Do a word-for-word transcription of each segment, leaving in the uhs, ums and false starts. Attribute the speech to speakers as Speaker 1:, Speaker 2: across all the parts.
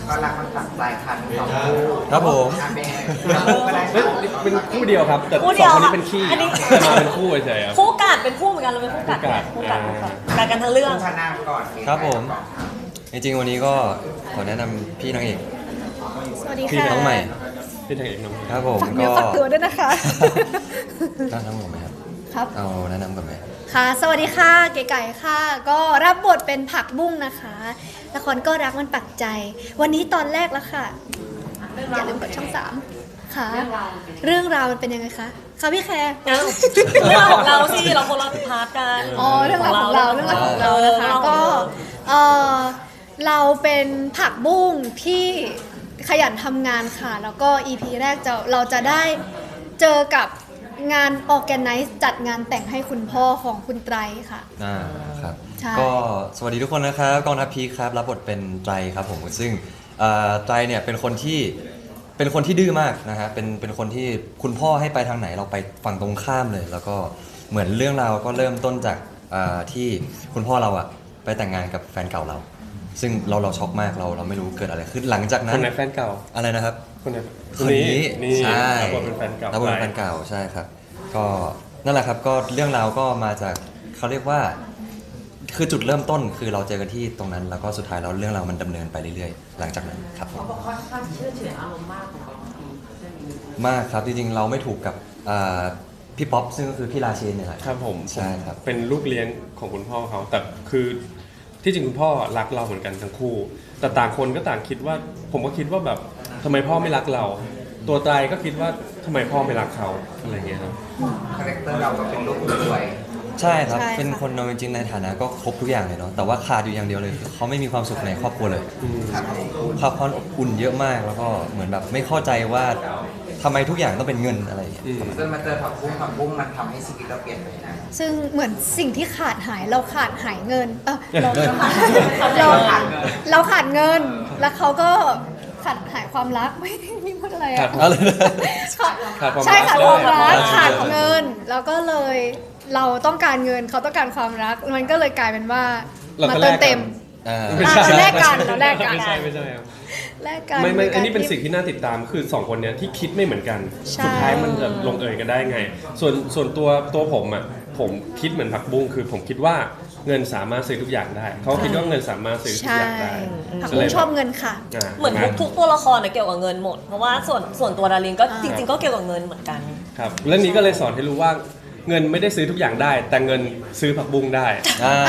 Speaker 1: ก็รักมันตักใจคันสองคู่
Speaker 2: ครับผม
Speaker 1: อ่ะเป็นคู่ก็ได้
Speaker 3: เฮ้ยเป็นคู่เดียวครับแต่
Speaker 4: คู่
Speaker 3: ส
Speaker 4: เดี
Speaker 3: อง
Speaker 4: ยว
Speaker 3: คนนี้
Speaker 4: ค่ะ
Speaker 3: เป็นขี้
Speaker 4: อันนี้
Speaker 3: มาเป็นคู่เฉยๆครับ
Speaker 4: คู่กัดเป็นคู่เหมือนกันเราเป็นคู่กัด
Speaker 3: คู่กัด
Speaker 4: คู่กัดคู่กัด
Speaker 3: อ่า
Speaker 4: กัดกันทั้งเรื่อง
Speaker 1: คู่พนามก่อน
Speaker 2: ครับผม จริงๆวันนี้ก็ขอแนะนำพี่นางเอก
Speaker 5: สวัสดี
Speaker 3: พี่
Speaker 5: ค่ะ
Speaker 2: น้องใหม่
Speaker 3: พี่ทางเอกน้อง
Speaker 2: ครับผม
Speaker 5: ฝากเนื้
Speaker 2: ก็
Speaker 5: อฝากตัวด้วยนะคะ
Speaker 2: ตั้งน้ำผมไหมครับ
Speaker 5: ครับ
Speaker 2: เอาแนะนำก่อนไหม
Speaker 5: ค่ะ สวัสดีค่ะ เก๋ไก่ค่ะ ก็รับบทเป็นผักบุ้งนะคะ ละครก็รักมันปักใจ วันนี้ตอนแรกแล้วค่ะ อย่าลืมกดช่องสามค่ะ เรื่องราวมันเป็นยังไงคะคะพี่แคร์
Speaker 4: เอ้าเรื่องของเราสิเราคนละพาร์ทกัน
Speaker 5: อ๋อ เรื่องราวของเรา เรื่องราวของเรานะคะ ก็ เออเราเป็นผักบุ้งที่ขยันทำงานค่ะ แล้วก็ อี พี แรกจะเราจะได้เจอกับงาน organize จัดงานแต่งให้คุณพ่อของคุณไตรค่ะ
Speaker 2: อ่าครับ
Speaker 5: ใช่
Speaker 2: ก็สวัสดีทุกคนนะครับกองทัพพีคครับรับบทเป็นไตรครับผมซึ่งเอ่อไตรเนี่ยเป็นคนที่เป็นคนที่ดื้อมากนะฮะเป็นเป็นคนที่คุณพ่อให้ไปทางไหนเราไปฝั่งตรงข้ามเลย แล้วก็เหมือนเรื่องราวก็เริ่มต้นจากอ่าที่คุณพ่อเราอะไปแต่งงานกับแฟนเก่าเรา ซึ่งเราเราช็อกมากเราเราไม่รู้เกิดอะไรขึ้นหลังจากนั้
Speaker 3: คน นไหนแฟนเก่า
Speaker 2: อะไรนะครับ
Speaker 3: คนไหน
Speaker 2: คนนี้
Speaker 3: นี่
Speaker 2: ใช่
Speaker 3: รับบทเป็นแฟนเก่า
Speaker 2: รับบทเป็นแฟนเก่าใช่ครับ ก็นั่นแหละครับก็เรื่องราวก็มาจากเขาเรียกว่า คือจุดเริ่มต้นคือเราเจอกันที่ตรงนั้น แล้วก็สุดท้ายแล้วเรื่องราวมันดำเนินไปเรื่อยๆ หลังจากนั้นครับผม
Speaker 1: เขาบอกค่อนข้างเชื่อเฉือนอารมณ์มากของเขา
Speaker 2: มากครับจริงๆเราไม่ถูกกับอ่าพี่ป๊อปซึ่งก็คือพี่ราเชนเนี่ยแหละ
Speaker 3: ครับผม
Speaker 2: ใช่ครับ
Speaker 3: เป็นลูกเลี้ยงของคุณพ่อเขาแต่คือที่จริงคุณพ่อรักเราเหมือนกันทั้งคู่ แต่ต่างคนก็ต่างคิดว่า ผมก็คิดว่าแบบทำไมพ่อไม่รักเรา ตัวไตรก็คิดว่าทำไมพ่อไม่รักเขาอะไรเงี้ยครับ
Speaker 1: คาแรคเตอร์เราก็เป็นลูกรวย
Speaker 2: ใช่ครับ
Speaker 5: ใช่ค่ะ
Speaker 2: เป็นคนเราจริงๆในฐานะก็ครบทุกอย่างเลยเนาะแต่ว่าขาดอยู่อย่างเดียวเลยคือเขาไม่มีความสุขในครอบครัวเลย
Speaker 1: ครับ
Speaker 2: ความความอบอุ่นเยอะมากแล้วก็เหมือนแบบไม่เข้าใจว่าทำไมทุกอย่างต้องเป็นเงินอะไรอย่างเงี้ย
Speaker 3: อืม
Speaker 1: จนมาเจอผักบุ้งผักบุ้งมันทำให้ชีวิตเราเปลี่ยนไปนะ
Speaker 5: ซึ่งเหมือนสิ่งที่ขาดหายเราขาดหายเงิน เออเรา
Speaker 2: เงิน
Speaker 5: เราเราขาดเงิน แล้วเขาก็ขาดหายความรัก ไม่ไม่พูดอะไร
Speaker 3: ขา
Speaker 5: อะ
Speaker 3: ด
Speaker 2: อะไรนะ
Speaker 3: ขาดความ
Speaker 5: ใช่
Speaker 3: รัก
Speaker 5: ขาด
Speaker 3: ด้
Speaker 5: คว วาย มรัก
Speaker 2: ใช่
Speaker 5: ขาดเงิน แล้วก็เลยเราต้องการเงินเขาต้องการความรัก มันก็เลยกลายเป็นว่า
Speaker 3: เรา
Speaker 5: มา
Speaker 3: ก็
Speaker 5: เติ
Speaker 3: แล
Speaker 5: ม
Speaker 3: กกั
Speaker 5: เต็
Speaker 3: น
Speaker 5: ม
Speaker 2: อ่า
Speaker 5: อ่ะเราแลกกันเราแลกกัน
Speaker 3: ไม่ใช่ไม่ใช่ครับ
Speaker 5: แลกกัน
Speaker 3: ไม่ไม่
Speaker 5: โดยการ
Speaker 3: อันนี้เป็น
Speaker 5: ที่
Speaker 3: สิ่งที่น่าติดตามคือสองคนเนี้ยที่คิดไม่เหมือนกัน
Speaker 5: ใช่
Speaker 3: สุดท้ายมันจะลงเอยกันได้ไง ส่วนส่วนตัวตัวผมอ่ะผมคิดเหมือนผักบุ้งคือผมคิดว่าเงินสามารถซื้อทุกอย่างได้ เขาคิดว่าเงินสามารถซื้อทุก
Speaker 5: ใช่
Speaker 3: อย่างได้
Speaker 5: ผัก
Speaker 3: ก็
Speaker 5: บุ้
Speaker 3: เล
Speaker 5: ง
Speaker 3: ย
Speaker 5: ชอบเงินค่ะ
Speaker 3: อ่า
Speaker 4: เหมือนทุกทุกตัวละครเนี่ยเกี่ยวกับเงินหมด เพราะว่าส่วนส่วนตัวดารินก็
Speaker 5: อ่า
Speaker 4: จริง ๆ ก็เกี่ยวกับเงินเหมือนกัน
Speaker 3: ครับเรื่องนี้ก็เลยสอนให้รู้ว่าเงินไม่ได้ซื้อทุกอย่างได้ แต่เงินซื้อผักบุ้งได้
Speaker 2: อ่า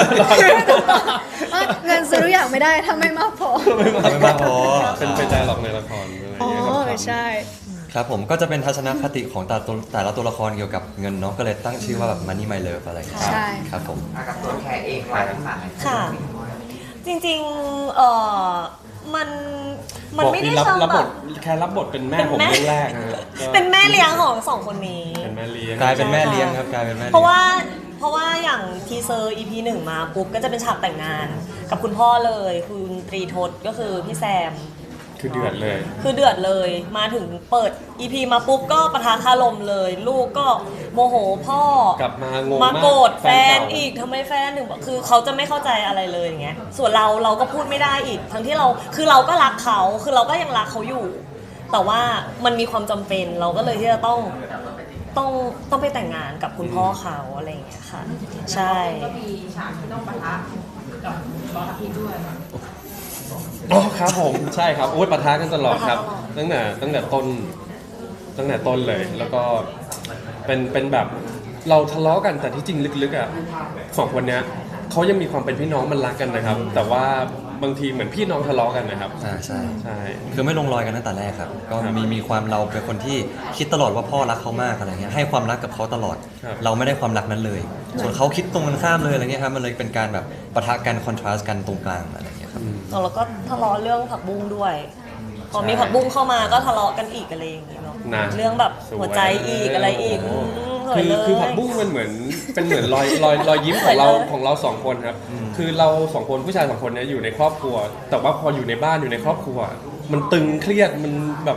Speaker 5: อ่ะเงินซื้อทุกอย่างไม่ได้ถ้าไม่มากพอ
Speaker 2: ไม่มากพอ
Speaker 3: เป็นไปใจหลอกในละครอะไรอ
Speaker 5: อ๋
Speaker 3: ย่างเงี้ย
Speaker 5: อ
Speaker 3: ครับ
Speaker 5: ใช่
Speaker 2: ครับผมก็จะเป็นทัศนคติของแต่ละตัวแต่ละตัวละครเกี่ยวกับเงินเนาะก็เลยตั้งชื่อว่าแบบ Money My Love อะไรอย่างเงี้ย
Speaker 5: ใช่
Speaker 2: ครับผม
Speaker 1: อ่ะกับตัวแคร์เองไว้ที่ฝากให้
Speaker 4: ค่ะ จริงๆเออมันมันไม่ได้
Speaker 3: บอก
Speaker 4: เชิง
Speaker 3: รับบ
Speaker 4: แบ
Speaker 3: ท
Speaker 4: บ
Speaker 3: แค่รับบทเป็นแม่ผม
Speaker 4: เป็นแม่
Speaker 3: เรื่องแรกนะฮะก็
Speaker 4: เป็นแม่เลี้ยงของสองคนนี้
Speaker 3: เป็นแม่เลี้ยง
Speaker 2: กลายเป็นแม่เลี้ยงครับกลายเป็นแม่
Speaker 4: เพ
Speaker 2: เลี้ย
Speaker 4: ราะ
Speaker 2: ง
Speaker 4: ว่าเพราะว่าอย่างทีเซอร์ อี พี หนึ่งมาปุ๊บก็จะเป็นฉากแต่งงาน กับคุณพ่อเลยคุณตรีทศก็คือพี่แซม
Speaker 3: คือเดือดเลย
Speaker 4: คือเดือดเลยมาถึงเปิด อี พี มาปุ๊บก็ปะทะคารมเลย ลูกก็โมโหพ่อก
Speaker 3: ลับมางง
Speaker 4: มาโกรธแฟน
Speaker 3: เก่า
Speaker 4: อีกทำไมแฟนถึงบอกคือเขาจะไม่เข้าใจอะไรเลยอย่างเงี้ยส่วนเราเราก็พูดไม่ได้อีก ทั้งที่เราคือเราก็รักเขาคือเราก็ยังรักเขาอยู่ แต่ว่ามันมีความจำเป็นเราก็เลยที่จะต้องต้องต้องไปแต่งงานกับคุณพ่อเขาอะไรอย่างเงี้ยค่ะ ใช่
Speaker 6: ก็มีฉากที่ต้องปะทะกับบอสพีด้วย
Speaker 3: อ๋อครับผมใช่ครับโอ้ยปะทะกันตลอดครับ
Speaker 4: ปะทะตลอด
Speaker 3: ตั้งแต่ตั้งแต่ต้นตั้งแต่ต้นเลย แล้วก็เป็นเป็นแบบเราทะเลาะกันแต่ที่จริงลึกๆอ่ะสองคนเนี้ยเขายังมีความเป็นพี่น้องมันรักกันนะครับ แต่ว่าบางทีเหมือนพี่น้องทะเลาะกันนะครับ
Speaker 2: อ่าใช่
Speaker 3: ใช่
Speaker 2: คือไม่ลงรอยกันตั้งแต่แรกครับ ก็
Speaker 3: ครับ
Speaker 2: มีมีความเราเป็นคนที่คิดตลอดว่าพ่อรักเขามากอะไรเงี้ยให้ความรักกับเขาตลอด
Speaker 3: ครับ
Speaker 2: เราไม่ได้ความรักนั้นเลย ส่วนเขาคิดตรงกันข้ามเลยอะไรเงี้ยครับมันเลยเป็นการแบบปะทะกันคอนทราสต์กันตรงกลางอะไรเงี้ยครับ
Speaker 4: แล้วก็ทะเลาะเรื่องผักบุ้งด้วย พอมีผักบุ้งเข้ามาก็ทะเลาะกันอีกอะไรอย่างเงี้ยเนาะ
Speaker 3: นะ
Speaker 4: เรื่องแบบหัวใจอีกอะไรอีก
Speaker 3: โโห
Speaker 4: อืมสว
Speaker 3: คื
Speaker 4: ย
Speaker 3: อ
Speaker 4: เลย
Speaker 3: คือผักบุ้งมันเหมือนเป็นเหมือนรอยรอยรอยยิ้มของเรา
Speaker 4: สวยเลย
Speaker 3: ของเราสองคนครับ คือเราสองคนผู้ชายสองคนเนี้ยอยู่ในครอบครัว แต่ว่าพออยู่ในบ้านอยู่ในครอบครัว มันตึงเครียดมันแบบ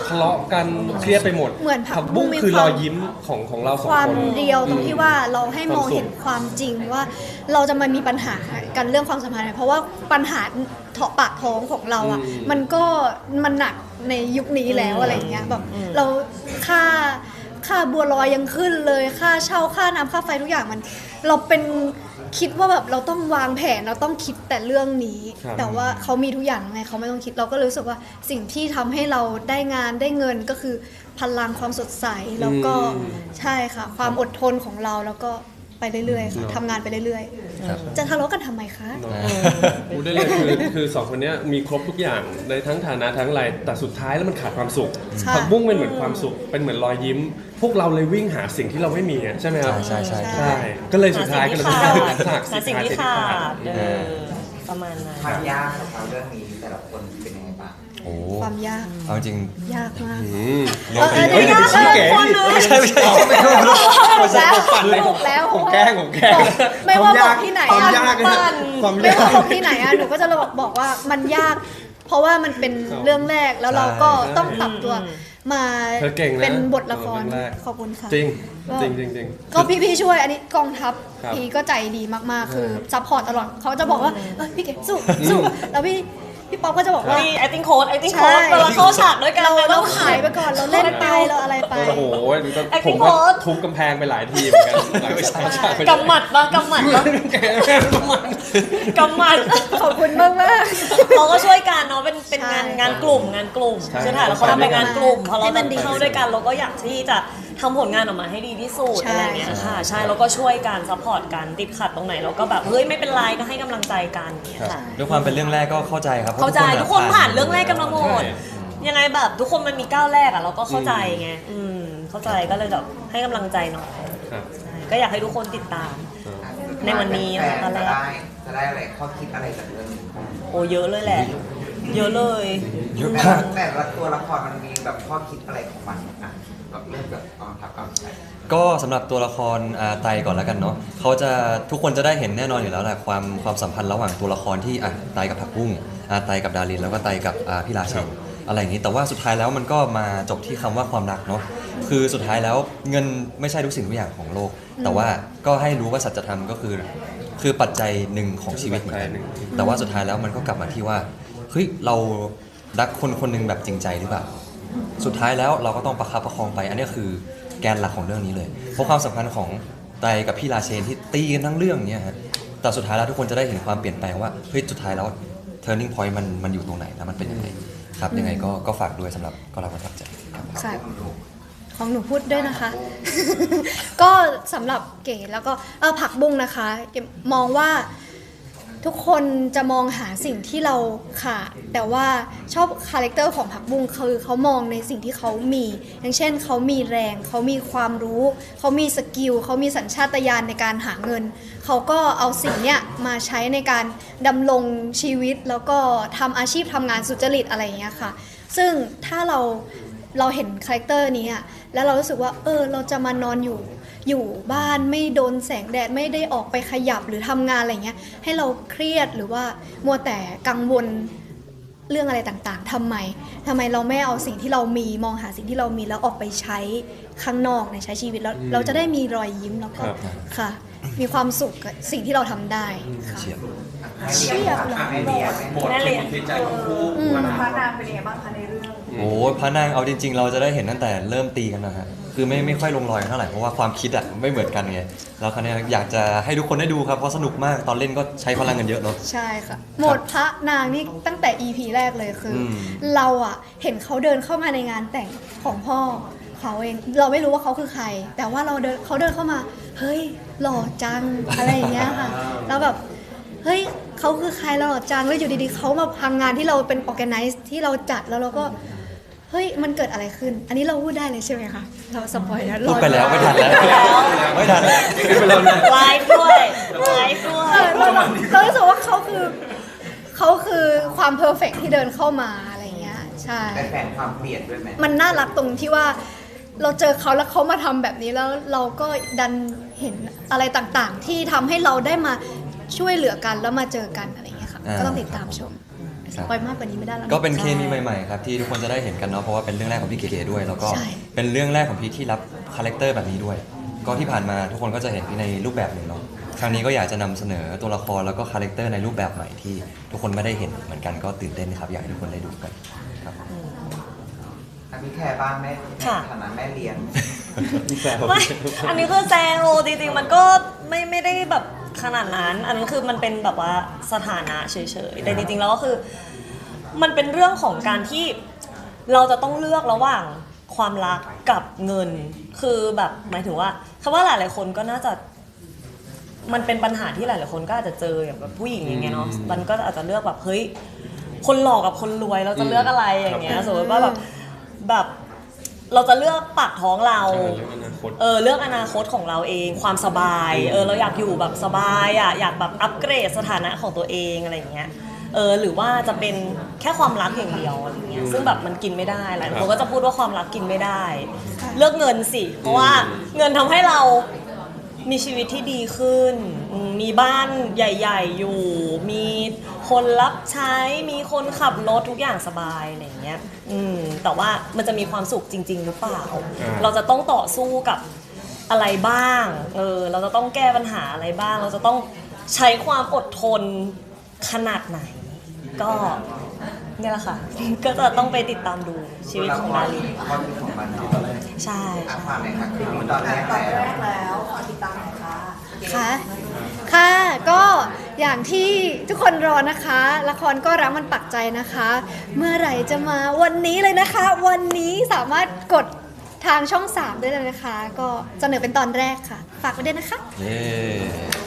Speaker 3: ทะเลาะกันเครียดไปหมด
Speaker 5: เหมือนผั
Speaker 3: ผั
Speaker 5: ก
Speaker 3: ก
Speaker 5: บุ้
Speaker 3: บุ้
Speaker 5: ง
Speaker 3: ง
Speaker 5: มี
Speaker 3: คือ
Speaker 5: ความ
Speaker 3: รอยยิ้มของของเราสอง
Speaker 5: ความ
Speaker 3: คน
Speaker 5: เรียวตรงที่ว่าเราให้มอง
Speaker 3: ความสุข
Speaker 5: เห็นความจริงว่าเราจะมามีปัญหากันเรื่องความสัมพันธ์เนี่ยเพราะว่าปัญหาเถาะปากท้องของเราอ่ะ
Speaker 3: อืม
Speaker 5: มันก็มันหนักในยุคนี้แล้วอะไรอย่างเงี้ยแบบ
Speaker 4: อืม
Speaker 5: เราค่าค่าบัวลอยยังขึ้นเลยค่าเช่าค่าน้ำค่าไฟทุกอย่างมัน เราเป็นคิดว่าแบบเราต้องวางแผนเราต้องคิดแต่เรื่องนี้
Speaker 3: ครับ
Speaker 5: แต่ว่าเขามีทุกอย่างไงเขาไม่ต้องคิดเราก็เลยรู้สึกว่าสิ่งที่ทำให้เราได้งานได้เงินก็คือพลังความสดใสแล้วก็ใช่ค่ะ ความอดทนของเราแล้วก็ไปเรื่อยๆค่ะทำงานไปเรื่อย
Speaker 2: ครับ
Speaker 5: ๆ จะทะเลาะกันทำไมคะ
Speaker 3: เนอะพูดได้เลยคือคือสองคนเนี้ยมีครบทุกอย่างในทั้งฐานะทั้งอะไรแต่สุดท้ายแล้วมันขาดความสุข
Speaker 5: ใช่
Speaker 3: ผักบุ้งเป็นเหมือนความสุขเป็นเหมือนรอยยิ้ม พวกเราเลยวิ่งหาสิ่งที่เราไม่มีอะใช่ไหมครับ
Speaker 2: ใช่ใช่ใช่
Speaker 3: ใช่ก็เลยสุดท้ายก็เลย
Speaker 4: หา
Speaker 3: ต้อง
Speaker 4: สิ่งที่ขาด
Speaker 3: หัก
Speaker 4: หาสิ่งที่ขาดเออประมาณนั้น
Speaker 1: ความยากของเราเรื่องนี้แต่ละคนเป็นยังไงบ้าง
Speaker 2: โอ้
Speaker 5: ความยาก
Speaker 2: เอาจริง
Speaker 5: ยากมาก
Speaker 3: อืม
Speaker 2: เรื่อง
Speaker 5: เออ
Speaker 2: เฮ้ย
Speaker 5: เดี๋ยว
Speaker 2: อย่าไปชี้แก
Speaker 5: เออคนเลย
Speaker 2: ไม่ใช่ไม่ใช่ไม่ใช่
Speaker 5: แล้วถูกแล้ว
Speaker 3: ผมแกล้งผมแกล้ง
Speaker 5: ไม่ว่าบอกที่ไหน
Speaker 3: ความ
Speaker 5: อะ
Speaker 3: ยากนะ
Speaker 5: ปั่น
Speaker 3: ความ
Speaker 5: ไม่
Speaker 3: ยาก
Speaker 5: ว่าบอกที่ไหนอะหนูก็จะบอกบอกว่ามันยาก เพราะว่ามันเป็นเรื่องแรกแล้วเราก็
Speaker 3: ใช่
Speaker 5: ต้องปรับตัวมา
Speaker 3: เธอเก่งนะ
Speaker 5: เป็นบทละคร
Speaker 3: เรื่องแรก
Speaker 5: ขอบคุณค่ะ
Speaker 3: จริง
Speaker 5: ก็
Speaker 3: จริงจริงจริง
Speaker 5: ก็พี่ๆช่วยอันนี้กองทัพ
Speaker 3: ครับ
Speaker 5: พี่ก็ใจดีมากๆ คือ
Speaker 3: ครับ
Speaker 5: ซัพพอร์ตตลอดเขาจะบอกว่าเออพี่เก๋สู้สู้แล้วพี่พี่ป๊อปก็จะบอกว่า
Speaker 4: มี acting coach acting
Speaker 5: ใช่
Speaker 4: coach เวลาเข้าฉากด้วยกัน
Speaker 5: เรา
Speaker 4: เนี่ย
Speaker 5: เรา
Speaker 4: ต้อง
Speaker 5: ขายไปก่อนเราเล่นไปเราอะไรไป
Speaker 3: โอ้โห
Speaker 4: Acting
Speaker 3: ผมก็
Speaker 4: coach
Speaker 3: ทุบกำแพงไปหลายทีเหมือนกันหลังจากฉาก
Speaker 4: กำหมัดปะกำหมัดปะกำหมัด
Speaker 5: ขอบคุณมากมาก
Speaker 4: เราก็ช่วยกันเนาะเป็นเป็น
Speaker 5: ใช่
Speaker 4: งานงานกลุ่มงานกลุ่ม
Speaker 3: ใช่
Speaker 4: คือถ่ายละครเป็นงานกลุ่มพอเรา
Speaker 5: ให้มันดี
Speaker 4: เข้าด้วยกันเราก็อยากที่จะทำผลงานออกมาให้ดีที่สุด
Speaker 5: ใช่
Speaker 4: อะไรอย่างเงี้ยค่ะใช่แล้วก็ช่วยกันซัพพอร์ตกันติดขัดตรงไหนเราก็แบบเฮ้ยไม่เป็นไรก็ให้กำลังใจกันอย่างเงี้ยค่ะ
Speaker 2: ด้วยความเป็นเรื่องแรกก็เข้าใจครับ
Speaker 4: เข้าใจทุกคนผ่านเรื่องแรกกันมาหมด
Speaker 3: ใช่
Speaker 4: ยังไงแบบทุกคนมันมีก้าวแรกอะเราก็เข้าใจไงอืมเข้าใจก็เลยแบบให้กำลังใจหน่อย
Speaker 3: ครับ
Speaker 4: ใช่ก็อยากให้ทุกคนติดตาม ในวันนี้
Speaker 1: แฟ
Speaker 4: นะ
Speaker 1: น
Speaker 4: ตอนแร
Speaker 1: จะ
Speaker 4: ก
Speaker 1: ได้จะได้อะไรข้อคิดอะไรจากเรื่องนี้
Speaker 4: โอ้เยอะเลยแหละ เยอะเลย
Speaker 2: เยอะ
Speaker 1: แต่
Speaker 2: มาก
Speaker 1: ละแต่ละตัวละครมันมีแบบข้อคิดอะไรของมันอ่ะแบบเริ่มจากกองทัพก่อนไป
Speaker 2: ก็สำหรับตัวละครอาไตก่อนแล้วกันเนาะเขาจะทุกคนจะได้เห็นแน่นอนอยู่แล้วแหละความความสัมพันธ์ระหว่างตัวละครที่อ่ะไตกับผักบุ้งอาไตกับดารินแล้วก็ไตกับอ่าพี่ราเชนอะไรอย่างนี้แต่ว่าสุดท้ายแล้วมันก็มาจบที่คำว่าความรักเนาะคือสุดท้ายแล้วเงินไม่ใช่ทุกสิ่งทุกอย่างของโลก แต่ว่าก็ให้รู้ว่าสัจธรรมก็คือ คือปัจจัยหนึ่งของชีวิตเหมือนกันแต่ว่าสุดท้ายแล้วมันก็กลับมาที่ว่าเฮ้ยเรารักคนคนหนึ่งแบบจริงใจหรือเปล่า สุดท้ายแล้วเราก็ต้องประคับประคองไป อันนี้คือแกนหลักของเรื่องนี้เลย เพราะความสัมพันธ์ของไตกับพี่ราเชนที่ตีกันทั้งเรื่องเนี่ยฮะแต่สุดท้ายแล้วทุกคนจะได้เห็นความเปลี่ยนแปลงว่าเฮ้ยสุดท้ายแล้ว turning point มันมันอยู่ตรงไหนแล้วมันเป็นยังไงครับยังไงก็ก็ฝากด้วยสำหรับก็รับประทับใจครับ
Speaker 5: ค่ะของหนูพูดด้วยนะคะ ก็สำหรับเก๋แล้วก็เออผักบุ้งนะคะเก๋มองว่าทุกคนจะมองหาสิ่งที่เราขาดแต่ว่าชอบคาแรคเตอร์ของผักบุ้งคือเขามองในสิ่งที่เขามี อย่างเช่นเขามีแรงเขามีความรู้ เขามีสกิลเขามีสัญชาตญาณในการหาเงิน เขาก็เอาสิ่งเนี้ยมาใช้ในการดำรงชีวิตแล้วก็ทำอาชีพทำงานสุจริตอะไรอย่างเงี้ยค่ะ ซึ่งถ้าเราเราเห็นคาแรคเตอร์นี้อะแล้วเรารู้สึกว่าเออเราจะมานอนอยู่อยู่บ้านไม่โดนแสงแดดไม่ได้ออกไปขยับหรือทำงานอะไรเงี้ยให้เราเครียดหรือว่ามัวแต่กังวลเรื่องอะไรต่างๆทำไมทำไมเราไม่เอาสิ่งที่เรามีมองหาสิ่งที่เรามีแล้วออกไปใช้ข้างนอกในใช้ชีวิตแล้วเราจะได้มีรอยยิ้มแล้วก็
Speaker 3: ครับ
Speaker 5: ค่ะ มีความสุขกับสิ่งที่เราทำได้ค่ะ
Speaker 2: เชียร์
Speaker 5: เชียบเหรอ
Speaker 1: ไอเดีย
Speaker 4: แม่เลยอะ
Speaker 5: อืม
Speaker 6: พระนางเป็นยังไงบ้างคะในเรื่อง
Speaker 2: โอ้พระนางเอาจริง ๆ เราจะได้เห็นตั้งแต่เริ่มตีกันนะฮะคือไม่ไม่ค่อยลงรอยกันเท่าไหร่เพราะว่าความคิดอ่ะไม่เหมือนกันไงแล้วคราวนี้อยากจะให้ทุกคนได้ดูครับเพราะสนุกมากตอนเล่นก็ใช้พลังกันเยอะเนาะ
Speaker 5: ใช่ค่ะโหมดพระนางนี่ตั้งแต่ อี พี แรกเลยคืออ
Speaker 2: ม
Speaker 5: เราอะเห็นเขาเดินเข้ามาในงานแต่งของพ่อเขาเองเราไม่รู้ว่าเขาคือใคร แต่ว่าเราเดินเขาเดินเข้ามาเฮ้ยหล่อจังอะไรอย่างเงี้ยค่ะแล้วแบบเฮ้ยเขาคือใครเราหล่อจังแล้วอยู่ดีๆเขามาพังงานที่เราเป็น organize ที่เราจัดแล้วเราก็เฮ้ยมันเกิดอะไรขึ้น อันนี้เราพูดได้เลยใช่ไหมคะเราสปอยแล้ว
Speaker 2: พูดไปแล้วไม่ทันแล้วไม่ทันแล้ว
Speaker 4: ไลฟ์ด้วยไลฟ์ด้วย
Speaker 5: เออเราเราเรารู้สึกว่าเขาคือเขาคือความเพอร์เฟกที่เดินเข้ามาอะไรเงี้ยใช่
Speaker 1: ได้แฟนความเปลี่ยนด้วยไหม
Speaker 5: มันน่ารักตรงที่ว่าเราเจอเขาแล้วเขามาทำแบบนี้แล้วเราก็ดันเห็นอะไรต่างๆ ที่ทำให้เราได้มาช่วยเหลือกันแล้วมาเจอกันอะไรเงี้ยค่ะ
Speaker 2: อ่า
Speaker 5: ก็ต้องติดตามชม
Speaker 2: ครับ
Speaker 5: ปล่อยมากกว่านี้ไม่ได้แล้ว
Speaker 2: ก็เป็นเคมี
Speaker 5: ใช่
Speaker 2: ใหม่ๆครับที่ทุกคนจะได้เห็นกันเนาะเพราะว่าเป็นเรื่องแรกของพี่เก๋ๆด้วย แล้วก็
Speaker 5: ใช่
Speaker 2: เป็นเรื่องแรกของพี่ที่รับคาแรคเตอร์แบบนี้ด้วย ก็ที่ผ่านมาทุกคนก็จะเห็นพี่ในรูปแบบหนึ่งเนาะครั้งนี้ก็อยากจะนำเสนอตัวละครแล้วก็คาแรคเตอร์ในรูปแบบใหม่ที่ทุกคนไม่ได้เห็นเหมือนกันก็ตื่นเต้นครับอยากให้ทุกคนได้ดูกันครับ
Speaker 1: อ่ะพี่แคร์บ้างแม่
Speaker 4: ค่ะ
Speaker 1: ฐานะแม่เลี้ยง
Speaker 4: ไม่ อันนี้คือแซวจริงๆ มันก็ไม่ไม่ได้แบบขนาดนั้น อันนั้นคือมันเป็นแบบว่าสถานะเฉยๆ แต่จริงๆ แล้วก็คือ มันเป็นเรื่องของการที่เราจะต้องเลือกระหว่างความรักกับเงิน คือแบบหมายถึงว่าคำว่าหลายๆ คนก็น่าจะ มันเป็นปัญหาที่หลายๆ คนก็อาจจะเจออย่างแบบผู้หญิงอย่างเงี้ยเนาะ มันก็อาจจะเลือกแบบเฮ้ย คนหล่อกับคนรวยเราจะเลือกอะไรอย่างเงี้ย สมมติว่าแบบแบบเราจะเลือกปากท้องเรา
Speaker 3: ใช่เรื่องอนาคต
Speaker 4: เออเรื่องอนาคตของเราเองความสบายเออเราอยากอยู่แบบสบายอ่ะอยากแบบอัปเกรดสถานะของตัวเองอะไรอย่างเงี้ยเออหรือว่าจะเป็นแค่ความรักอย่างเดียวอะไรเงี้ยซึ่งแบบมันกินไม่ได้หลายคนก็จะพูดว่าความรักกินไม่ได้ เลือกเงินสิเพราะว่าเงินทำให้เรามีชีวิตที่ดีขึ้นอืมมีบ้านใหญ่ๆอยู่ มีคนรับใช้มีคนขับรถทุกอย่างสบายอะไรอย่างเงี้ยอืมแต่ว่ามันจะมีความสุขจริง ๆ หรือเปล่า
Speaker 3: อ่า
Speaker 4: เราจะต้องต่อสู้กับอะไรบ้าง เออ เราจะต้องแก้ปัญหาอะไรบ้าง เราจะต้องใช้ความอดทนขนาดไหน ก็เนี่ยแหละค่ะ ก็จะต้องไปติดตามดูชีวิตของดาริน
Speaker 1: ข้อที่ของมันเนาะ
Speaker 4: ใช่
Speaker 1: อ่ะ
Speaker 4: ใช่
Speaker 1: ฝากหน่อยค่ะคือตอนแรก
Speaker 6: ตอน
Speaker 1: แล้ว
Speaker 6: แรกแล้วขอติดตามหน่อยค่ะ
Speaker 5: ค่ะ ค่ะ ก็อย่างที่ทุกคนรอนะคะ ละครก็รักมันปักใจนะคะ เมื่อไหร่จะมาวันนี้เลยนะคะ วันนี้สามารถกดทางช่องสามได้เลยนะคะ ก็เสนอเป็นตอนแรกค่ะ ฝากไว้ด้วยนะคะ
Speaker 2: เย้